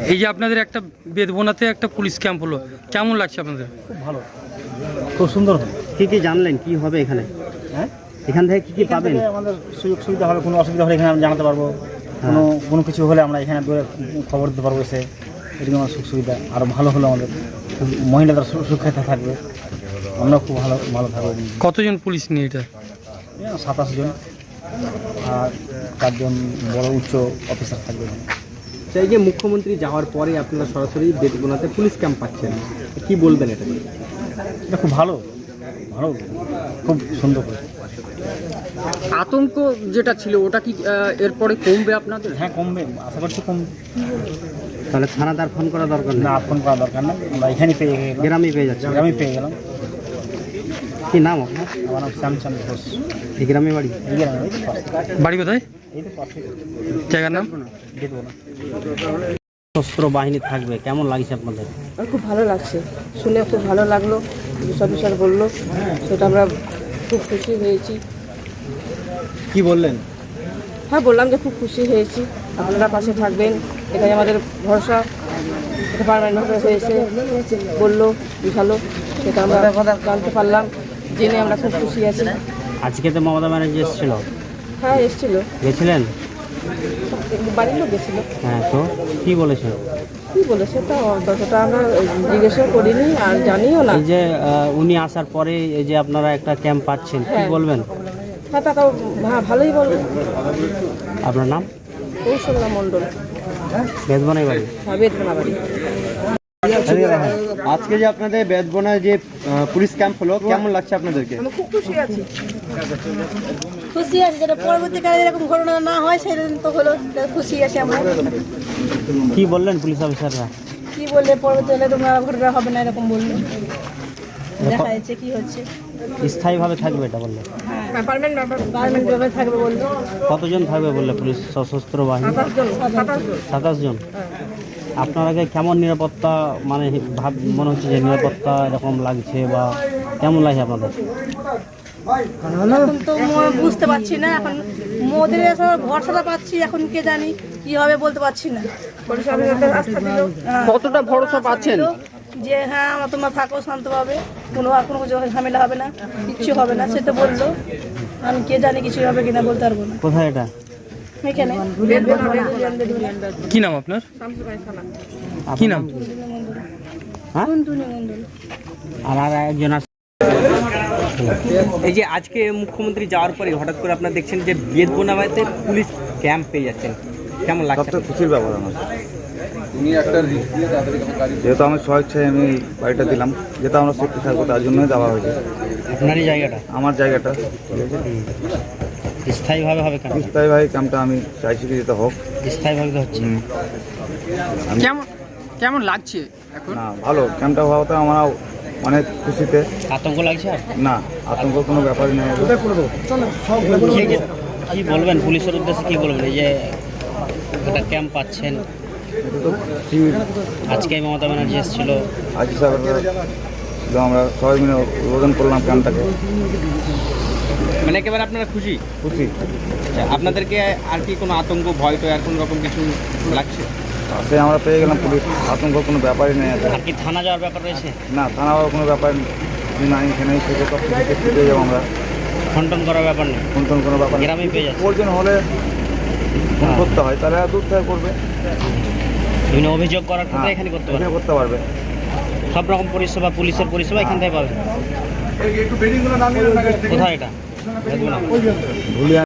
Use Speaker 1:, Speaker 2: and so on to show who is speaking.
Speaker 1: এই যে আপনাদের একটা বেদবনাতে একটা পুলিশ ক্যাম্প হলো, কেমন লাগছে আপনাদের?
Speaker 2: খুব ভালো, খুব সুন্দর হলো।
Speaker 3: কি কি জানলেন, কি হবে এখানে?
Speaker 2: হ্যাঁ,
Speaker 3: এখান থেকে কি কি পাবেন?
Speaker 2: আমাদের সুযোগ সুবিধা হবে, কোনো অসুবিধা হলে এখানে আমরা জানাতে পারবো, কোনো কিছু হলে আমরা এখানে দূরে খবর দিতে পারবো এসে। এরকম আমার সুখ সুবিধা আরও ভালো হলো, আমাদের মহিলাদের সুরক্ষিত থাকবে, আমরা খুব ভালো ভালো থাকবো।
Speaker 1: কতজন পুলিশ নিয়ে এটা?
Speaker 2: 27 জন আর 4 জন বড় উচ্চ অফিসার থাকবে।
Speaker 3: এই যে মুখ্যমন্ত্রী যাওয়ার পরে আপনারা সরাসরি বেদবনাতে পুলিশ ক্যাম্প পাচ্ছেন, কি বলবেন এটা?
Speaker 2: এটা খুব ভালো, ভালো, খুব সুন্দর করে।
Speaker 3: আতঙ্ক যেটা ছিল ওটা কি এরপরে কমবে আপনাদের?
Speaker 2: হ্যাঁ, কমবে, আশা করছি কমবে।
Speaker 3: তাহলে থানাদার ফোন করা দরকার
Speaker 2: না, ফোন করা দরকার না, আমরা এখানেই পেয়ে গেলাম,
Speaker 3: গ্রামেই পেয়ে যাচ্ছে।
Speaker 2: গ্রামে পেয়ে গেলাম।
Speaker 3: কি নাম আপনার?
Speaker 2: আমার নাম শ্যামচন্দ ঘোষ।
Speaker 3: এই গ্রামে বাড়ি?
Speaker 2: এই গ্রামে, এই তো পাশে।
Speaker 1: বাড়ি কোথায়?
Speaker 2: এই তো পাশে,
Speaker 1: জায়গার নাম?
Speaker 2: বেদবনা।
Speaker 3: সশস্ত্র বাহিনী থাকবে, কেমন লাগছে আপনাদের?
Speaker 4: আমার খুব ভালো লাগছে, শুনে খুব ভালো লাগলো। সব স্যার বললো, সেটা আমরা খুব খুশি হয়েছি।
Speaker 3: কি বললেন?
Speaker 4: হ্যাঁ, বললাম যে খুব খুশি হয়েছি, আপনারা পাশে থাকবেন, এটাই আমাদের ভরসা। ডিপার্টমেন্ট হয়েছে বললো, বুঝালো, সেটা আমরা জানতে পারলাম, জেনে আমরা খুব খুশি আছি।
Speaker 3: আজকে তো মমতা ব্যানার্জি এসেছিল,
Speaker 4: হ্যাঁ, এসেছিল,
Speaker 3: গেছিলেন?
Speaker 4: বাড়ির লোক গেছিলো।
Speaker 3: হ্যাঁ, তো কি বলেছিল?
Speaker 4: কী বলেছে তা ততটা আমরা জিজ্ঞাসা করিনি আর জানিও না।
Speaker 3: এই যে উনি আসার পরে এই যে আপনারা একটা ক্যাম্প পাচ্ছেন, কি
Speaker 4: হ্যাঁ।
Speaker 3: বলবেন?
Speaker 4: হ্যাঁ, তা তো ভালোই বলবো।
Speaker 3: আপনার নাম?
Speaker 4: কৌশল্যা মণ্ডল,
Speaker 3: বেদবনাই বাড়ি?
Speaker 4: হ্যাঁ, বেদনা বাড়ি।
Speaker 3: আজকে যে আপনাদের বেদবনায় যে পুলিশ ক্যাম্প হলো, কেমন লাগছে আপনাদেরকে?
Speaker 4: আমি খুব খুশি আছি।
Speaker 5: খুশি আছি, যেটা পরবর্তীকালে এরকম ঘটনা না হয় সেদিন তো হলো, খুশি আছি আমরা।
Speaker 3: কি বললেন পুলিশ অফিসাররা?
Speaker 5: কি বললে পরবর্তীকালে তোমরা ঘটনা হবে না এরকম বললো, দেখা যাচ্ছে কি হচ্ছে।
Speaker 3: স্থায়ীভাবে থাকবে এটা বললে?
Speaker 5: গার্মেন্ট জবে থাকবে বললো।
Speaker 3: কতজন থাকবে বললে পুলিশ সশস্ত্র বাহিনী? 27 জন। আপনারা কেমন নিরাপত্তা, মানে মনে হচ্ছে যে নিরাপত্তা এরকম লাগছে, বা কেমন লাগছে আপনাদের?
Speaker 5: এখন তো বুঝতে পারছি না, এখন মোদের ভরসাটা পাচ্ছি, এখন কে জানি কি হবে বলতে পারছি না।
Speaker 3: কতটা ভরসা পাচ্ছেন
Speaker 5: যে হ্যাঁ তোমরা থাকো শান্তভাবে, কোনো কিছু ঝামেলা হবে না, কিচ্ছু হবে না, সে তো বললো। আমি কে জানি কিছু হবে কিনা বলতে পারবো না।
Speaker 3: কোথায় এটা?
Speaker 5: এখানে
Speaker 1: কি নাম আপনার? কি নাম?
Speaker 3: হ্যাঁ, আর একজন আছে। এই যে আজকে মুখ্যমন্ত্রী যাওয়ার পরে হঠাৎ করে আপনারা দেখছেন যে বেদবনাতে পুলিশ ক্যাম্প পেয়ে যাচ্ছেন, কেমন লাগছে?
Speaker 6: সবচেয়ে খুশির ব্যাপার আমার, যেহেতু আমি স্বেচ্ছায় আমি বাড়িটা দিলাম, যেহেতু আমরা সেফটি থাকবো তার জন্যই দেওয়া হয়েছে।
Speaker 3: আপনারই জায়গাটা?
Speaker 6: আমার জায়গাটা
Speaker 3: স্থায়ীভাবে হবে কেন?
Speaker 6: স্থায়ীভাবে ক্যাম্পটা আমি চাইছি কি যেটা হোক।
Speaker 3: স্থায়ীভাবে তো হচ্ছে।
Speaker 1: কেমন লাগছে এখন?
Speaker 6: না, ভালো, ক্যাম্পটা হওয়াতে আমরা অনেক খুশিতে।
Speaker 3: আতঙ্ক লাগছে? আর
Speaker 6: না, আতঙ্ক কোনো ব্যাপারই নেই।
Speaker 3: কি বলবেন পুলিশের উদ্দেশ্যে, কি বলবেন এই যে একটা ক্যাম্প পাচ্ছেন?
Speaker 6: এটা তো
Speaker 3: আজকে মমতা ব্যানার্জি এসেছিল,
Speaker 6: আজি সাহেবের আমরা সবাই মিলে উদ্বোধন করলাম ক্যাম্পটাকে।
Speaker 3: মানে একেবারে আপনারা খুশি?
Speaker 6: খুশি।
Speaker 3: আপনাদেরকে আর কি কোনো আতঙ্ক, ভয় তো আর কোনো রকম কিছু লাগছে?
Speaker 6: সে আমরা পেয়ে গেলাম পুলিশ, আতঙ্ক কোনো ব্যাপারই নেই।
Speaker 3: আর কি থানা যাওয়ার ব্যাপার রয়েছে?
Speaker 6: না, থানা হওয়ার কোনো ব্যাপার নাই, এখানেই থেকে সব কিছু সেফটি পেয়ে যাবো আমরা।
Speaker 3: ফোন করার ব্যাপার নেই,
Speaker 6: ফোন কোনো ব্যাপার নেই।
Speaker 3: গ্রামে পেয়ে যাচ্ছে।
Speaker 6: প্রয়োজন হলে ফোন করতে হয়, তাহলে দূর থেকে করবে।
Speaker 3: বিভিন্ন অভিযোগ করার ক্ষেত্রে এখানে করতে পারবে,
Speaker 6: করতে পারবে।
Speaker 3: সব রকম পরিষেবা, পুলিশের পরিষেবা এখান থেকে পাবে। কোথায় এটা?